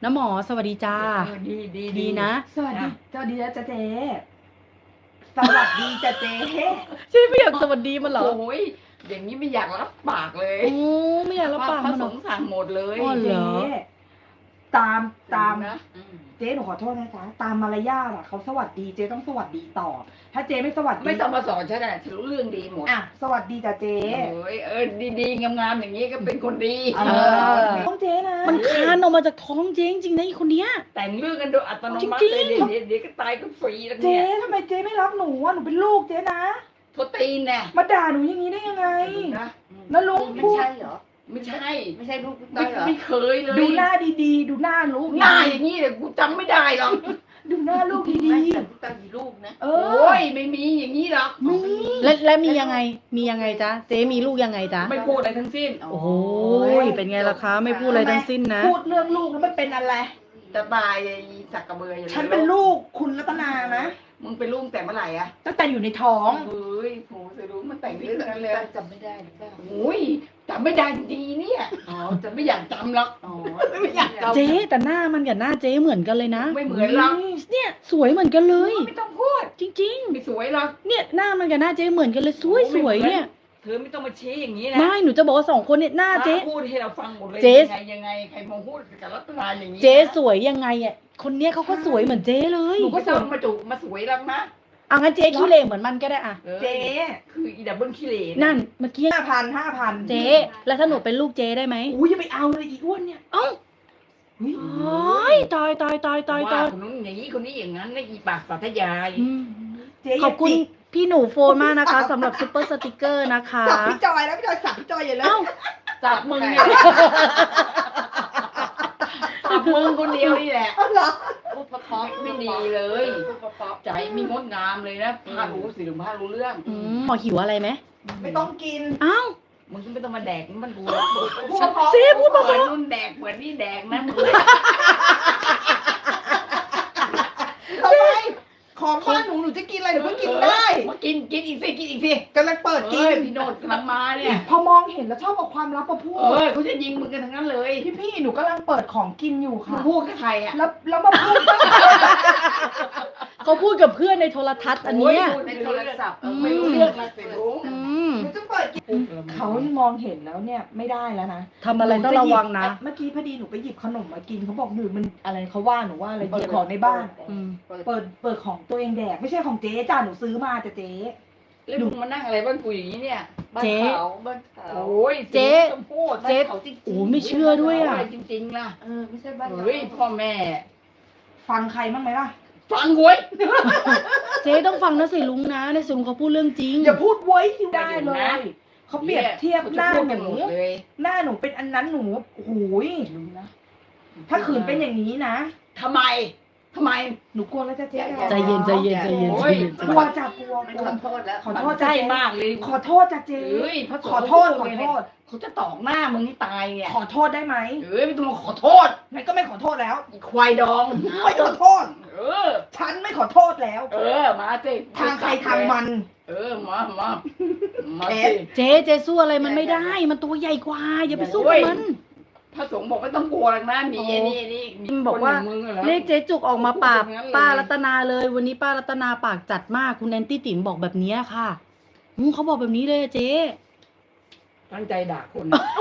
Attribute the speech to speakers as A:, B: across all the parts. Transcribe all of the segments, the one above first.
A: น้าหมอสวัสดีจ้าดีนะ
B: สวัสดีจ้าเจ๊สวัสดีจ้าเจ๊
A: ใช่ไม่อยากสวัสดีมันเหรอ
C: โอ้ยอย่างนี้ไม่อยากรับปากเลย
A: โอ้ไม่อยากรับปาก
C: พ
A: มั
C: ระ
A: นเหร
C: ส
A: อง
C: ฆ์สั่งหมดเลย
A: อ๋อเหรอ
B: เจ๊ตาม
C: นะ
B: เจ๊หนูขอโทษนะจ๊ะตามมารยาทอะเขาสวัสดีเจ๊ต้องสวัสดีตอบถ้าเจ๊ไม่สวัสดี
C: ไม่ต้องมาสอนฉันนะฉันรู้เรื่องดีหมด
B: อ่ะสวัสดีจ้าเจ๊
C: โอ้ยดีๆงามๆอย่างนี้ก็เป็นคนดี
B: ต้องเจ๊นะ
A: มันคานออกมาจากท้องเจ๊จริงๆนะไอ้คนเนี้ย
C: แต่งเรื่องกันโดยอัตโนมัติ
A: จริ
C: เล
A: ง
C: ย
A: ๆ
C: เดี๋ยวก็ตายก็ฟรีแล้ว
B: เจ๊
C: เนี่ย
B: ทำไมเจ๊ไม่รักหนูอะหนูเป็นลูกเจ๊นะ
C: โทษตีนแน่
B: มาด่าหนูอย่างนี้ได้ยังไง
C: นะ
B: แล้วลุง
D: ไม่
B: พูด
D: ใช่เหรอ
C: ไม่ใช่
D: ไม่ใช่ลูกต้อยเหรอ
C: ไม่เคยเลย
B: ดูหน้าดีๆ ดูหน้าลูก
C: หน้าอย่างนี้เลยกูจำไม่ได้หรอก
B: ดูหน้าลูกดี
D: ไม่แต่ลูกต้อยมีลูกนะ
B: ๆเอ
C: โอ้
B: อย
C: ไม่มีอย่างนี้หรอก
B: มี
A: และมียังไงจ๊ะเจ๊มีลูกยังไงจ๊ะ
C: ไม่พูดอะไรทั้งสิ้น
A: โอ้โหเป็นไงล่ะคะไม่พูดอะไรทั้งสิ้นนะ
B: พูดเรื่องลูกแล้วมันเป็นอะไร
C: จะตายไอ้สักกระเบืออย่าง
B: ฉันเป็นลูกคุณรัตนานะ
C: มึงเป็นลูกแต่เมื่อไหร่อะ
B: ตั้งแต่อยู่ในท้อง
C: เฮ้ยโหจะรู้มันแต่ง
D: ลู
C: เรื่อง
D: ก
C: นั้น
D: ต้
C: เล
D: อย ยจำไม่ได้หรือเปล่า
C: โอ้ยจำไม่ได้จริงๆเนี่ยอ๋อจะไม่อยากจำหรอก
D: อ๋อ
C: ไม่อยากจำ
A: เจ๊แต่หน้ามันกับหน้าเจ๊เหมือนกันเลยนะ
C: ไม่เหมือนหรอก
A: เนี่ยสวยเหมือนกันเลย
C: ไม่ต้องพูด
A: จริง
C: ไม่สวยหรอก
A: ๆ เนี่ยหน้ามันกับหน้าเจ๊เหมือนกันเลยสวยๆเนี่ย
C: เธอไม่ต้องมาชี้อย่างนี้นะ
A: ไม่หนูจะบอกว่าสองคนเนี่ยหน้าเจ๊
C: พูดให้เราฟังหมดเลย
A: เจ๊
C: ยังไงใครมาพูดกับรัตนาอย่างนี้นะ
A: เจ๊สวยยังไงอ่ะคนเนี้ยเขาก็สวยเหมือนเจ๊เลย
C: หนูก็ต้องมาจุมาสวยแล้วนะ
A: เอางั้นเจ๊ขี้เหร่เหมือนมันก็ได้อ่ะ
B: เจ๊
C: คืออีดับเบิลขี้เหร่
A: นั่นเมื่อกี้
B: 5,000
A: เจ๊แล้วถ้าหนูเป็นลูกเจ๊ได้ไหม
B: อุ้ยอย่าไปเอาเลยอีอ้วนเนี่ย
A: เอ้า
B: อุ๊ย
A: โอ้ยตาย
C: ว่าคนนู้นอย่างนี้คนนี้อย่างนั้นนะอีปากปัทยาย
A: อืม
B: เจ๊
A: ขอบคุณพี่หนูโฟนมากนะคะสำหรับซุปเปอร์สติกเกอร์นะคะ
B: สับพี่จอยแล้วพี่จอยสับพี่จอยอย่าเลย
A: เอ้า
C: จับมึงเนี่ยจับมึงคนเดียวนี่แหละ
B: เอาเหรอ
D: พูดเพราะๆ
C: ไม่ดีเลย
D: พูดเพราะ
C: ใจมีงดงามเลยนะพารู้สิหรือพารู้เรื่อง
A: หมอหิวอะไรไหม
B: ไม่ต้องกิน
A: เอ้า
C: มึงก็ไม่ต้องมาแดกมันกู
B: พูดเพราะ
A: เจ๊พูด
C: เห
A: เบา
C: มือนนุ่นแดกเหมือนนี่แดกนะมึง
B: ทำไมของบ้านหนูจะกินอะไรหนูก็กินได้
C: มากินอีกสิกินอีกสิ
B: กำลังเปิดกิ
C: เอ้ย
B: น
C: พี่โนดกำลังมาเนี่ย
B: พอมองเห็นแล้วชอบเอาความลับมาพูด
C: เขาจะยิงมึงกันทั้งนั้นเลย
B: พี่หนูกำลังเปิดของกินอยู่
C: มึง
B: ค่ะ
C: พูดกับใครอ่ะ
B: แล้วมาพูดว่า
A: เขาพูดกับเพื่อนในโทรทัศน์อันเนี้ย
C: โยพูด
D: ๆใน
C: ไม่
D: โท
C: รู้
D: ร
C: เรื่อง
D: ศัพท์
C: ไม่รู้เรื่องนะเสียรู้
A: อืม
B: หนูจะเปิดกินเขามองเห็นแล้วเนี่ยไม่ได้แล้วนะ
A: ทำอะไรต้องระวังนะ
B: เมื่อกี้พอดีหนูไปหยิบขนมมากินเขาบอกหนูมันอะไรเขาว่าหนูว่าอะไรหยิบของในบ้าน
A: อืม
B: เปิดของตัวเองแดกไม่ใช่ของเจ๊จ้าหนูซื้อมาแต่เจ๊
C: แล้วมึงมานั่งอะไรบ้านกูอย่างนี้เนี่ย
D: บ้าน
A: เจ๊
D: เขาบ้านเขา
C: โอ้ย
A: เจ๊
C: ต้องพูด
A: เจ๊
D: บ้านเขาจริงๆ
A: โอ้ไม่เชื่อด้วยอ่ะ
C: ไรจริงๆล่ะ
D: ไม่ใช่บ้านเรา
C: เฮ้ยพ่อแม่
B: ฟังใครบ้างไหมล่ะ
C: ฟังเว้ย
A: เจ๊ต้องฟังนะสิลุงนะในสิลุงเขาพูดเรื่องจริง
B: อย่าพูดไว้ที่ได้เลยเขาเปรียบเทียบหน้า
C: เขาจะพูด
B: ห
C: กัน
B: นู
C: หมดเลย
B: หน้าหนูเป็นอันนั้นหนูโอ้โหย
C: รู้นะ
B: ถ้าขืนเป็นอย่างนี้นะ
C: ทำไม
B: หนูกลัวแล้วจ้ะเจ๊
A: ใจเย็นใจเย็นใจเย็น
C: โอ้
A: ใจ
C: ย
A: เย็น
B: กลัวจ้ะกลัว
D: ไม่
B: กลั
D: ข
B: ว
D: อโทษแล้ว
B: ขอโทษ
C: ใก
B: จ้ะ
C: ล้
B: เจ๊
C: มากเลย
B: ขอโทษจ้ะเจ๊
C: เฮ้ยพระสงฆ์
B: ขอโทษขอโทษ
C: เขาจะตอกหน้ามึงให้ตายเนี่ย
B: ขอโทษได้ไหม
C: เฮ้ยไม่ต้องมาขอโทษ
B: งั้นก็ไม่ขอโทษแล้ว
C: อีควายดอง
B: ไม่ขอโทษ
C: เออ
B: ฉันไม่ขอโทษแล้ว
C: มาสิ
B: ทางใครทางมัน
C: มาสิ
A: เจ๊สู้อะไรมันไม่ได้ มันตัวใหญ่กว่า อย่าไปสู้กับมัน
C: พระสงฆ์บอกไม่ต้องกลัวหรอกนะมีไอ้นี่มี
A: บอกว่า
C: คนย่งมึงหรอ
A: เลขเจ๊จุกออกมาปราบ
C: พูดอย่างนั้นเลย
A: ป้ารัตนาเลย วันนี้ป้ารัตนาปากจัดมากคุณแอนตี้ติ๋มบอกแบบนี้ค่ะเขาบอกแบบนี้เลยอะเจ๊
C: ตั้งใจด่าคน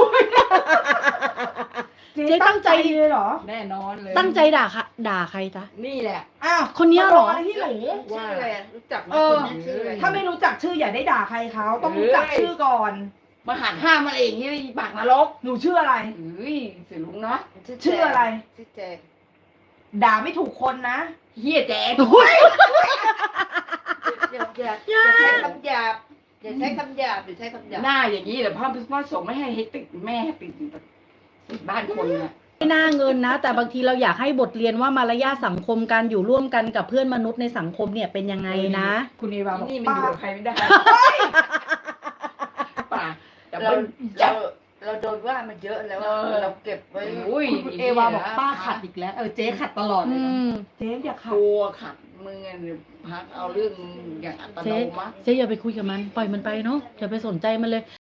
A: เจ๊ตั้งใจ
B: เลยเหรอ
C: แน่นอนเลย
A: ตั้งใจด่าใครจ๊ะ
C: นี่แหละ
B: อ้าว
A: คนเนี้ยเหรอ
B: มาลงอะไรที่หนู
D: ชื่ออะไรรู้จักไหม
B: เออ
D: คนนั้นชื่ออะไร
B: ถ้าไม่รู้จักชื่ออย่าได้ด่าใครเขาต้องรู้จักชื่อก่อน
C: มาหันห้ามมาเองนี่ปากนรก
B: หนูชื่ออะไร
C: เฮ้ยเสียลุงเนาะ
B: ชื่ออะไร
D: ชื่อแจง
B: ด่าไม่ถูกคนนะ
C: เฮียแจ๊ด
D: อย่าใช้คำหยาบอย่าใช้คำหยาบอย่าใช้คำหยาบ
C: หน้าอย่างนี้แต่พ่อสงฆ์ไม่ให้ติดแม่ให้ติดบ้านคนน่ะ
A: ไม่น่าเงินนะ แต่บางทีเราอยากให้บทเรียนว่ามารยาทสังคมการอยู่ร่วมกันกับเพื่อนมนุษย์ในสังคมเนี่ยเป็นยังไงนะ
B: คุณเอวาบอก
C: นี่มัน
B: ป้า
C: อยู่กับใครไม่ได้ป่าแต่
D: เรา
C: มัน
D: เราเราโดนว่ามันเยอะแล้วเราเก็บไว้
C: โอ้ย
B: คุณเอวาบอกป้าขัดอีกแล้วเจ๊ขัดตลอดเลยนะเจ๊อย่าขัด
C: กลัวขัดมึงอ่ะพักเอาเรื่องอย่างอัตโนมัติ
A: เจ๊อย่าไปคุยกับมัน ปล่อยมันไปเนาะอย่าไปสนใจมันเลย